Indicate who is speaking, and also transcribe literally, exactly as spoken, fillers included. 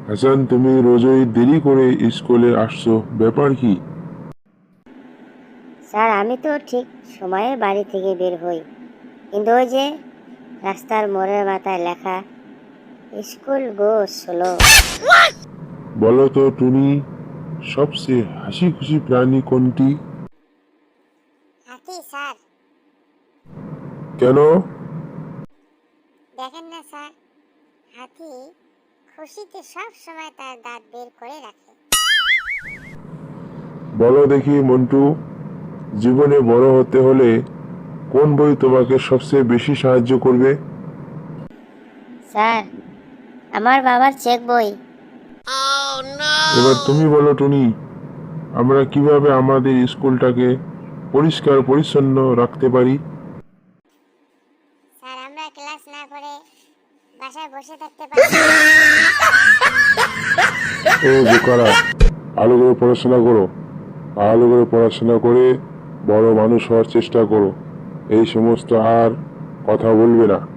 Speaker 1: হাসান, তুমি রোজই দেরি করে স্কুলে আসছো, ব্যাপার কি?
Speaker 2: স্যার, আমি তো ঠিক সময়ে বাড়ি থেকে বের হই, কিন্তু ওই যে রাস্তার মোড়ের মাথায় লেখা স্কুল গো স্লো।
Speaker 1: বলো তো টুনি, সবচেয়ে হাসি খুশি প্রাণী কোনটি?
Speaker 2: হাতি স্যার।
Speaker 1: কেন?
Speaker 2: দেখেন না স্যার, হাতি খুশিতে সব সময় তার দাঁত বের করে রাখে।
Speaker 1: বলো দেখি মন্টু, জীবনে বড় হতে হলে কোন বই তোমাকে সবচেয়ে বেশি সাহায্য করবে?
Speaker 2: স্যার, আমার বাবার চেক বই।
Speaker 1: এবার তুমি বলো টুনি, আমরা কিভাবে আমাদের স্কুলটাকে পরিষ্কার পরিচ্ছন্ন রাখতে পারি?
Speaker 2: স্যার, আমরা ক্লাস না করে বাসায় বসে থাকতে পারি।
Speaker 1: ও বোকারা, ভালো করে পড়াশোনা করো, ভালো করে পড়াশোনা করে বড় মানুষ হওয়ার চেষ্টা করো। এই সমস্ত আর কথা বলবে না।